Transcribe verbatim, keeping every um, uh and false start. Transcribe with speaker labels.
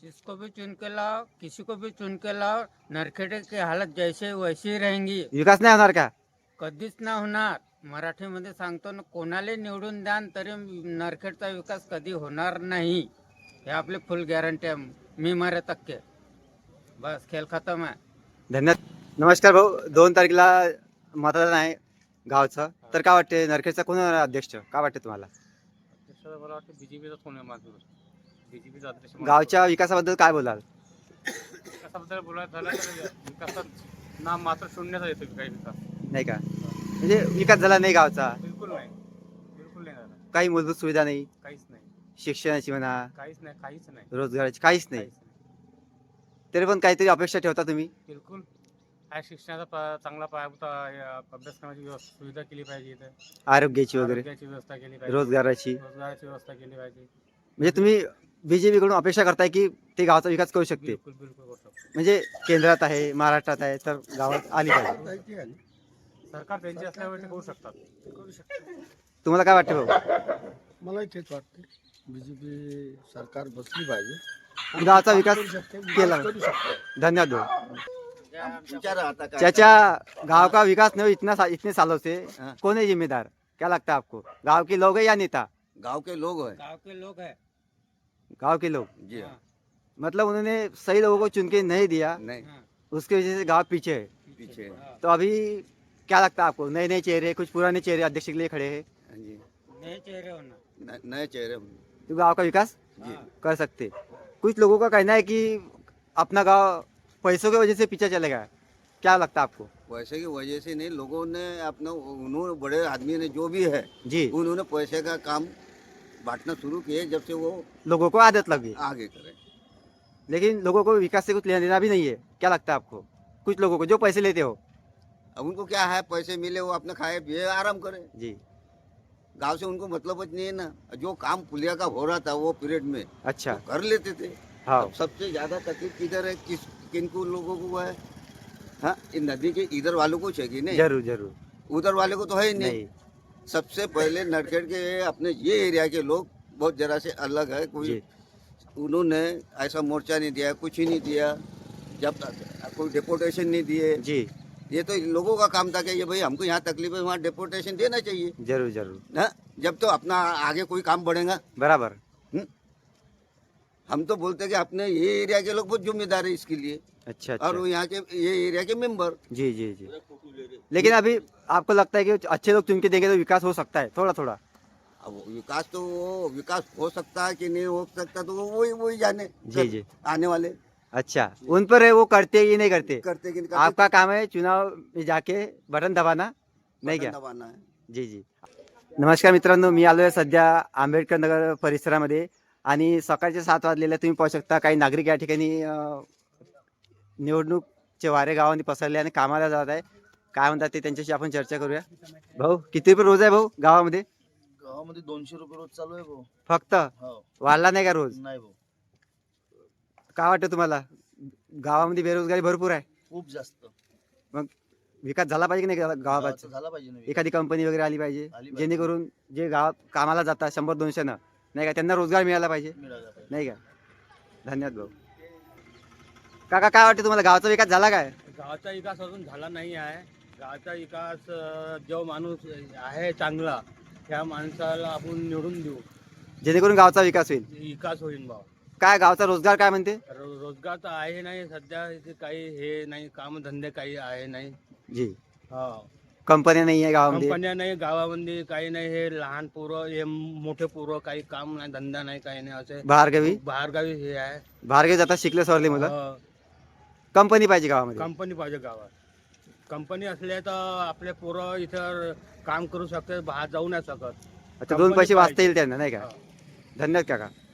Speaker 1: जिसको भी चुन के लाओ, किसी को भी चुन के लाओ, नरखेडे की हालत जैसे वैसी ही रहेंगी.
Speaker 2: विकास नाही होणार का?
Speaker 1: कधीच ना होणार. मराठीमध्ये सांगतो ना, कोणाला निवडून द्या न तरी नरखेडचा विकास कधी होणार नाही. हे आपली फुल गॅरंटी आहे. मी मारे तक्के. बस खेळ खतम आहे.
Speaker 2: धन्यवाद. नमस्कार भाऊ, दोन तारखेला मतदान आहे गावचं, तर काय वाटते नरखेडचा कोण होणार अध्यक्ष? काय वाटते तुम्हाला?
Speaker 3: मला वाटतं बीजेपीचाच कोण आहे माझं बीजेपीचा अध्यक्ष.
Speaker 2: गावच्या विकासाबद्दल काय बोलाल?
Speaker 3: विकासाबद्दल बोलायचं झालं तर विकासात नाम मात्र शून्याचा येतो काही विकास
Speaker 2: नाही का? म्हणजे विकास झाला नाही गावचा,
Speaker 3: बिलकुल नाही बिलकुल नाही झाला.
Speaker 2: काही मूलभूत सुविधा नाही,
Speaker 3: काहीच नाही
Speaker 2: शिक्षणाची म्हणा,
Speaker 3: काहीच नाही काहीच नाही
Speaker 2: रोजगाराची काहीच नाही.
Speaker 3: काहीच नाही.
Speaker 2: तरी पण काहीतरी अपेक्षा ठेवता तुम्ही?
Speaker 3: बिलकुल हा शिक्षणाचा पा- चांगला पायाभूत अ, अभ्यास करण्याची व्यवस्था सुविधा केली पाहिजे इथे.
Speaker 2: आरोग्याची वगैरे,
Speaker 3: आरोग्याची व्यवस्था केली पाहिजे.
Speaker 2: रोजगाराची.
Speaker 3: रोजगाराची व्यवस्था केली पाहिजे.
Speaker 2: म्हणजे तुम्ही बीजेपी कडून अपेक्षा करताय की ते गावचा विकास करू शकते?
Speaker 3: बिलकुल बिलकुल करू शकतो.
Speaker 2: म्हणजे केंद्रात आहे, महाराष्ट्रात आहे, तर गावात आली पाहिजे.
Speaker 3: सरकार त्यांची असल्यामुळे ते करू शकतात.
Speaker 2: तुम्हाला काय वाटतं भाऊ?
Speaker 4: मलाही तेच वाटते. बीजेपी सरकार बसली पाहिजे,
Speaker 2: गावाचा विकास
Speaker 4: करू शकते,
Speaker 2: केला.
Speaker 4: करू शकते.
Speaker 2: धन्यवाद भाऊ. चाचा, गांव का विकास नहीं हो, इतना सा, इतने सालों से कौन है जिम्मेदार? क्या लगता है आपको? गांव के लोग है या नेता?
Speaker 5: गांव के लोग हैं
Speaker 1: गाव के लोग हैं.
Speaker 2: गांव के लोग.
Speaker 5: जी
Speaker 1: हाँ.
Speaker 2: मतलब उन्होंने सही लोगों को चुन के नहीं दिया,
Speaker 5: नहीं
Speaker 1: हाँ.
Speaker 2: उसकी वजह से गांव पीछे है.
Speaker 5: पीछे
Speaker 1: हाँ.
Speaker 2: तो अभी क्या लगता है आपको? नए नए चेहरे, कुछ पुराने चेहरे अध्यक्ष के लिए खड़े हैं,
Speaker 5: हाँ जी
Speaker 1: नए चेहरे होना.
Speaker 5: न- नए चेहरे
Speaker 2: तो गांव का विकास
Speaker 1: हाँ.
Speaker 2: कर सकते. कुछ लोगों का कहना है कि अपना गांव पैसों की वजह से पीछे चलेगा. क्या लगता है आपको?
Speaker 5: पैसे की वजह से नहीं, लोगों ने अपना उन्होंने बड़े आदमी ने जो भी है
Speaker 2: जी,
Speaker 5: उन्होंने पैसे का काम बांटना शुरू किए जब से वो
Speaker 2: लोगों को आदत लग गई,
Speaker 5: आगे करे.
Speaker 2: लेकिन लोगों को विकास से कुछ लेना देना भी नहीं है. क्या लगता है आपको? कुछ लोगों को जो पैसे लेते हो.
Speaker 5: अब उनको क्या है, पैसे मिले वो अपने खाए पिए आराम करे.
Speaker 2: जी,
Speaker 5: गांव से उनको मतलब नहीं है ना. जो काम पुलिया का हो रहा था वो पीरियड में
Speaker 2: अच्छा.
Speaker 5: वो कर लेते थे.
Speaker 2: हाँ,
Speaker 5: अब सबसे ज्यादा तकलीफ किधर है, किस किनको लोगों को है? हाँ, इन नदी के इधर वालों को चाहिए नहीं,
Speaker 2: जरूर जरूर.
Speaker 5: उधर वाले को तो है ही नहीं.
Speaker 2: नहीं.
Speaker 5: सबसे पहले नरखेड़ के अपने ये एरिया के लोग बहुत जरा से अलग है. कोई
Speaker 2: जी,
Speaker 5: उन्होंने ऐसा मोर्चा नहीं दिया, कुछ ही नहीं दिया, जब तक कोई डिपोटेशन नहीं दिए.
Speaker 2: जी,
Speaker 5: ये तो इन लोगों का काम था कि ये भाई हमको यहाँ तकलीफ है, वहाँ डिपोटेशन देना चाहिए.
Speaker 2: जरूर जरूर.
Speaker 5: हाँ, जब तो अपना आगे कोई काम बढ़ेगा.
Speaker 2: बराबर.
Speaker 5: हम तो बोलते हैं कि अपने ये एरिया के लोग बहुत जिम्मेदार है इसके लिए,
Speaker 2: अच्छा
Speaker 5: और
Speaker 2: अच्छा.
Speaker 5: वो यहाँ के ये एरिया के मेंबर.
Speaker 2: जी जी जी. लेकिन अभी आपको लगता है कि अच्छे लोग चुन के देंगे तो विकास हो सकता है थोड़ा थोड़ा?
Speaker 5: अब वो विकास तो वो विकास हो सकता है कि नहीं हो सकता तो वो वही वही जाने.
Speaker 2: जी जी.
Speaker 5: आने वाले
Speaker 2: अच्छा, उन पर है वो करते ही नहीं करते.
Speaker 5: करते कि नहीं करते.
Speaker 2: आपका काम है चुनाव में जाके बटन दबाना, नाही
Speaker 5: बटन
Speaker 2: क्या?
Speaker 5: दबाना है.
Speaker 2: जी जी. नमस्कार मित्रांनो, मी आलो आहे सध्या आंबेडकर नगर परिसरामध्ये आणि सकाळचे सात वाजलेले तुम्ही पाहू शकता. काही नागरिक या ठिकाणी अ, निवडणूकचे वारे गावांनी पसरले आणि कामाला जात आहे. काय म्हणतात ते त्यांच्याशी आपण चर्चा करूया. भाऊ, किती रुपये रोज आहे भाऊ गावामध्ये?
Speaker 4: गावामध्ये दोनशे रुपये रोज चालू आहे भाऊ.
Speaker 2: फक्त
Speaker 4: हो,
Speaker 2: वाढला नाही का रोज?
Speaker 4: नाही भाऊ,
Speaker 2: काय वाटतं तुम्हाला? गावामध्ये बेरोजगारी भरपूर आहे,
Speaker 4: खूप जास्त.
Speaker 2: विकास झाला पाहिजे की नाही
Speaker 4: गावाचा
Speaker 2: गावाचा?
Speaker 4: झाला पाहिजे ना विकास.
Speaker 2: एखादी कंपनी वगैरे आली पाहिजे,
Speaker 4: आली पाहिजे.
Speaker 2: जेणेकरून जे गावात कामाला जातात शंभर दोनशेनं, नाही का, त्यांना रोजगार मिळाला पाहिजे,
Speaker 4: मिळाला पाहिजे.
Speaker 2: नाही का? धन्यवाद भाऊ. काका, काय वाटतं तुम्हाला गावाचा विकास झाला काय?
Speaker 3: गावाचा विकास अजून झाला नाही आहे. गावाचा विकास अ, जो माणूस आहे चांगला त्या माणसाला आपण निवडून देऊ,
Speaker 2: जेणेकरून गावचा विकास होईल.
Speaker 3: विकास होईल भाव.
Speaker 2: काय गावचा रोजगार काय म्हणते?
Speaker 3: रो- रोजगार तर आहे नाही सध्या, इथे काही हे नाही, कामधंदे काही आहे नाही.
Speaker 2: जी,
Speaker 3: हा,
Speaker 2: कंपन्या नाही आहे गावामध्ये.
Speaker 3: कंपन्या नाही गावामध्ये, काही नाही. हे लहान पोरं, हे मोठे पोरं, काही काम नाही, धंदा नाही, काही नाही. असे
Speaker 2: बाहेरगावी
Speaker 3: बाहेरगावी हे आहे.
Speaker 2: बाहेरगावी जातात शिकले सवरले मुलं.
Speaker 3: हा,
Speaker 2: कंपनी पाहिजे गावामध्ये.
Speaker 3: कंपनी पाहिजे गावात. कंपनी असल्या तर आपले पोरं इथं काम करू शकतात, बाहेर जाऊ नाही शकत.
Speaker 2: अच्छा, दोन
Speaker 3: कंपनी
Speaker 2: पैसे वाचता
Speaker 3: पाहिजे.
Speaker 2: येईल त्यांना, नाही का?
Speaker 3: हा.
Speaker 2: धन्यवाद काका.